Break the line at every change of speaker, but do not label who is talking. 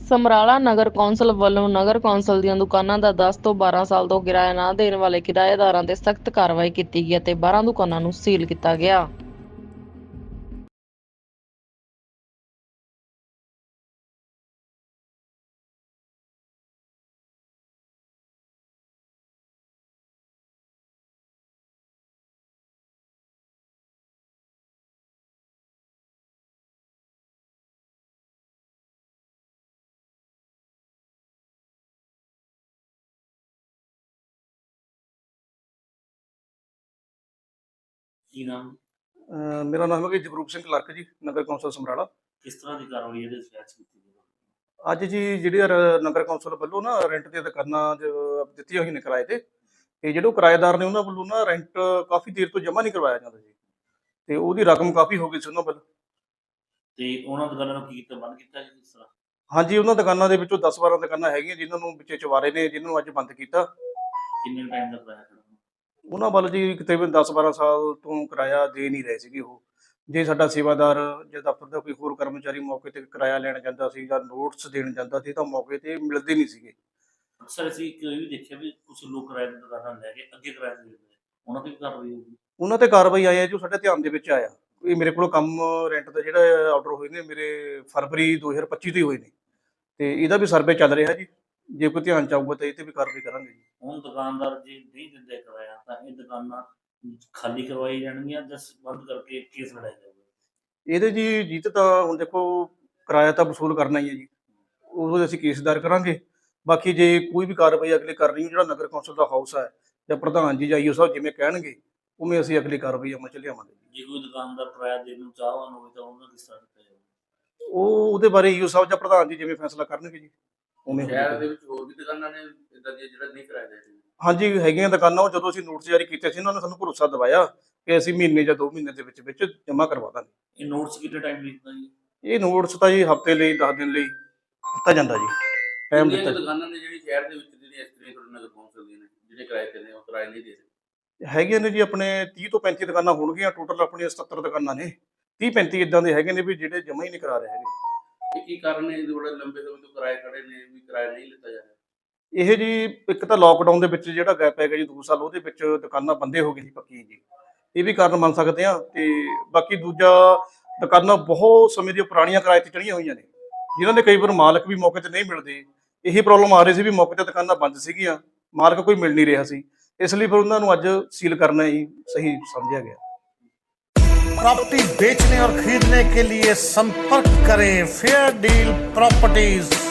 ਸਮਰਾਲਾ ਨਗਰ council ਵੱਲੋਂ ਨਗਰ council ਦੀਆਂ ਦੁਕਾਨਾਂ ਦਾ 10 ਤੋਂ 12 ਸਾਲ ਤੋਂ ਕਿਰਾਇਆ ਨਾ ਦੇਣ ਵਾਲੇ ਕਿਰਾਏਦਾਰਾਂ ਤੇ ਸਖਤ ਕਾਰਵਾਈ ਕੀਤੀ ਗਈ ਅਤੇ 12 ਦੁਕਾਨਾਂ ਨੂੰ ਸੀਲ ਕੀਤਾ ਗਿਆ।
ਕੀ ਨਾਮ?
ਮੇਰਾ ਨਾਮ ਹੈ ਜਗਰੂਪ ਸਿੰਘ ਕਲਰਕ ਜੀ, ਨਗਰ ਕੌਂਸਲ ਸਮਰਾਲਾ।
ਕਿਸ ਤਰ੍ਹਾਂ ਦੀ ਕਾਰਵਾਈ ਇਹਦੇ ਵਿੱਚ ਕੀਤੀ ਗਈ?
ਅੱਜ ਜੀ ਜਿਹੜੀ ਨਗਰ ਕੌਂਸਲ ਵੱਲੋਂ ਨਾ ਰੈਂਟ ਦੀਆਂ ਦੁਕਾਨਾਂ ਦਿੱਤੀਆਂ ਹੋਈਆਂ ਨੇ ਕਿਰਾਏ ਤੇ ਜਿਹੜੇ ਕਿਰਾਏਦਾਰ ਨੇ ਉਹਨਾਂ ਵੱਲੋਂ ਨਾ ਰੈਂਟ ਕਾਫੀ ਦੇਰ ਤੋਂ ਜਮ੍ਹਾਂ ਨਹੀਂ ਕਰਵਾਇਆ ਜਾਂਦਾ ਜੀ, ਤੇ ਉਹਦੀ ਰਕਮ ਕਾਫੀ ਹੋ ਗਈ ਸੀ ਉਹਨਾਂ ਵੱਲੋਂ।
ਤੇ ਉਹਨਾਂ ਦੁਕਾਨਾਂ ਨੂੰ ਕੀ ਕੀਤਾ, ਬੰਦ ਕੀਤਾ ਜੀ ਕਿਸ ਤਰ੍ਹਾਂ?
ਹਾਂਜੀ, ਉਹਨਾਂ ਦੁਕਾਨਾਂ ਦੇ ਵਿੱਚੋਂ 10-12 ਦੁਕਾਨਾਂ ਹੈਗੀਆਂ ਜਿਨ੍ਹਾਂ ਨੂੰ ਵਿੱਚੇ ਚਵਾਰੇ ਨੇ, ਜਿਨ੍ਹਾਂ ਨੂੰ ਅੱਜ ਬੰਦ ਕੀਤਾ।
ਕਿੰਨੇ ਟਾਈਮ ਦਾ ਕਿਰਾਇਆ ਖੜਾ?
ਉਹਨਾਂ ਵੱਲ ਜੀ ਤਕਰੀਬਨ 10-12 ਸਾਲ ਤੋਂ ਕਿਰਾਇਆ ਦੇ ਨਹੀਂ ਰਹੇ ਸੀਗੇ ਉਹ। ਜੇ ਸਾਡਾ ਸੇਵਾਦਾਰ ਜਾਂ ਦਫ਼ਤਰ ਦਾ ਕੋਈ ਹੋਰ ਕਰਮਚਾਰੀ ਮੌਕੇ ਤੇ ਕਿਰਾਇਆ ਲੈਣ ਜਾਂਦਾ ਸੀ ਜਾਂ ਨੋਟਿਸ ਦੇਣ ਜਾਂਦਾ ਸੀ ਤਾਂ ਮੌਕੇ ਤੇ ਮਿਲਦੇ ਨਹੀਂ ਸੀਗੇ।
ਅਕਸਰ ਅਸੀਂ ਇਹ ਵੀ ਦੇਖਿਆ ਵੀ ਕੁਝ ਲੋਕ ਕਿਰਾਏ ਦੀਆਂ ਦੁਕਾਨਾਂ ਲੈ ਕੇ ਅੱਗੇ ਕਿਰਾਏ ਤੇ ਦਿੰਦੇ, ਉਹਨਾਂ ਤੇ ਵੀ ਕਾਰਵਾਈ ਹੋਊਗੀ?
ਉਹਨਾਂ ਤੇ ਕਾਰਵਾਈ ਆਈ ਹੈ ਜੋ ਸਾਡੇ ਧਿਆਨ ਦੇ ਵਿੱਚ ਆਇਆ। ਇਹ ਮੇਰੇ ਕੋਲ ਕੰਮ ਰੈਂਟ ਦਾ ਜਿਹੜਾ ਆਰਡਰ ਹੋਏ ਨੇ ਮੇਰੇ ਫਰਵਰੀ 2025 ਤੋਂ ਹੀ ਹੋਏ ਨੇ, ਤੇ ਇਹਦਾ ਵੀ ਸਰਵੇ ਚੱਲ ਰਿਹਾ ਜੀ। ਜੇ ਕੋਈ ਧਿਆਨ ਚ ਆਊਗਾ ਤਾਂ ਇਹ ਤੇ ਵੀ ਕਾਰਵਾਈ ਕਰਾਂਗੇ ਜੀ।
ਹੁਣ ਦੁਕਾਨਦਾਰ ਜੇ ਨਹੀਂ ਦਿੰਦੇ ਕਿਰਾਇਆ ਤਾਂ ਇਹ ਦੁਕਾਨਾਂ ਖਾਲੀ ਕਰਵਾਈ ਜਾਣਗੀਆਂ ਜਾਂ ਬੰਦ ਕਰਕੇ ਕੇਸ ਲੜਾਇਆ ਜਾਊਗਾ?
ਇਹਦੇ ਜੀ ਜਿੱਤ ਤਾਂ ਹੁਣ ਦੇਖੋ ਕਿਰਾਇਆ ਤਾਂ ਵਸੂਲ ਕਰਨਾ ਹੀ ਹੈ ਜੀ, ਉਹ ਅਸੀਂ ਕੇਸ ਦਾਇਰ ਕਰਾਂਗੇ। ਬਾਕੀ ਜੇ ਕੋਈ ਵੀ ਕਾਰਵਾਈ ਅਗਲੇ ਕਰਨੀ, ਜਿਹੜਾ ਨਗਰ ਕੌਂਸਲ ਦਾ ਹਾਊਸ ਹੈ ਜਾਂ ਪ੍ਰਧਾਨ ਜੀ ਜਾਂ ਈਓ ਸਾਹਿਬ ਜਿਵੇਂ ਕਹਿਣਗੇ ਉਵੇਂ ਅਸੀਂ ਅਗਲੀ ਕਾਰਵਾਈ ਅਮਲ ਚ ਲਿਆਵਾਂਗੇ।
ਜੇ ਕੋਈ ਦੁਕਾਨਦਾਰ ਕਿਰਾਇਆ ਦੇਣ ਨੂੰ ਚਾਹਵਾਨ ਹੋਵੇ ਤਾਂ ਉਹਨਾਂ ਕਿਸ ਤਰ੍ਹਾਂ ਕੀਤਾ ਜਾਊਗਾ?
ਉਹਦੇ ਬਾਰੇ ਈਓ ਸਾਹਿਬ ਜਾਂ ਪ੍ਰਧਾਨ ਜੀ ਜਿਵੇਂ ਫੈਸਲਾ ਕਰਨਗੇ ਜੀ ਉਵੇਂ
ਸ਼ਹਿਰ ਦੇ ਵਿੱਚ ਹੋਰ ਵੀ ਦੁਕਾਨਾਂ ਨੇ ਇਦਾਂ ਦੀਆਂ ਜਿਹੜਾ ਨਹੀਂ ਕਿਰਾਇਆ ਦੇ ਰਹੇ?
ਹਾਂਜੀ ਹੈਗੀਆਂ ਦੁਕਾਨਾਂ। ਉਹ ਜਦੋਂ ਅਸੀਂ ਨੋਟਿਸ ਜਾਰੀ ਕੀਤੇ ਸੀ ਉਹਨਾਂ ਨੇ ਸਾਨੂੰ ਭਰੋਸਾ ਦਿਵਾਇਆ ਕਿ ਅਸੀਂ ਮਹੀਨੇ ਜਾਂ 2 ਮਹੀਨੇ ਦੇ ਵਿੱਚ ਜਮ੍ਹਾਂ ਕਰਵਾ ਦਾਂਗੇ।
ਇਹ ਨੋਟਸ ਕਿੰਨੇ ਟਾਈਮ ਲਿਖਦਾ ਜੀ?
ਇਹ ਨੋਟਿਸ ਤਾਂ ਜੀ ਹਫ਼ਤੇ ਲਈ 10 ਦਿਨ ਲਈ ਦਿੱਤਾ ਜਾਂਦਾ ਜੀ, ਟਾਈਮ ਦਿੱਤਾ।
ਦੁਕਾਨਾਂ ਨੇ ਜਿਹੜੀ ਸ਼ਹਿਰ ਦੇ ਵਿੱਚ ਜਿਹੜੀਆਂ ਇਸ ਤਰ੍ਹਾਂ ਨਗਰ ਕੌਂਸਲ ਦੀਆਂ ਨੇ ਜਿਹੜੇ ਕਿਰਾਏ ਤੇ ਨੇ ਉਹ ਕਿਰਾਏ ਨਹੀਂ ਦੇ ਰਹੇ?
ਹੈਗੀਆਂ ਨੇ ਜੀ ਆਪਣੇ 30 ਤੋਂ 35 ਦੁਕਾਨਾਂ ਹੋਣਗੀਆਂ, ਟੋਟਲ ਆਪਣੀਆਂ 77 ਦੁਕਾਨਾਂ ਨੇ। 30-35 ਇਦਾਂ ਦੇ ਹੈਗੇ ਨੇ ਵੀ ਜਿਹੜੇ ਜਮ੍ਹਾਂ ਹੀ ਨਹੀਂ ਕਰਾ ਰਹੇ ਹੈਗੇ।
ਇਹ ਕੀ ਕਾਰਨ ਹੈ ਇਹਦੇ ਬੜੇ ਲੰਬੇ ਸਮੇਂ ਤੋਂ ਕਿਰਾਏ ਖੜੇ ਨੇ ਵੀ ਕਿਰਾਇਆ ਨਹੀਂ ਲਿੱਤਾ ਜਾ ਰਿਹਾ?
ਇਹ ਜੀ ਇੱਕ ਤਾਂ ਲੋਕਡਾਊਨ ਦੇ ਵਿੱਚ ਜਿਹੜਾ ਗੈਪ ਹੈਗਾ ਜੀ 2 ਸਾਲ, ਉਹਦੇ ਵਿੱਚ ਦੁਕਾਨਾਂ ਬੰਦੇ ਹੋ ਗਈ ਸੀ ਪੱਕੀ ਜੀ, ਇਹ ਵੀ ਕਾਰਨ ਮੰਨ ਸਕਦੇ ਆ। ਤੇ ਬਾਕੀ ਦੂਜਾ ਦੁਕਾਨਾਂ ਬਹੁਤ ਸਮੇਂ ਦੀਆਂ ਪੁਰਾਣੀਆਂ ਕਿਰਾਏ ਤੇ ਚੜੀਆਂ ਹੋਈਆਂ ਨੇ, ਜਿਨ੍ਹਾਂ ਦੇ ਕਈ ਵਾਰ ਮਾਲਕ ਵੀ ਮੌਕੇ ਤੇ ਨਹੀਂ ਮਿਲਦੇ। ਇਹੀ ਪ੍ਰੋਬਲਮ ਆ ਰਹੀ ਸੀ ਵੀ ਮੌਕੇ ਤੇ ਦੁਕਾਨਾਂ ਬੰਦ ਸੀਗੀਆਂ, ਮਾਲਕ ਕੋਈ ਮਿਲ ਨਹੀਂ ਰਿਹਾ ਸੀ, ਇਸ ਲਈ ਫਿਰ ਉਹਨਾਂ ਨੂੰ ਅੱਜ ਸੀਲ ਕਰਨਾ ਹੀ सही समझा गया।
प्रॉपर्टी बेचने और खरीदने के लिए संपर्क करें फेयर डील प्रॉपर्टीज।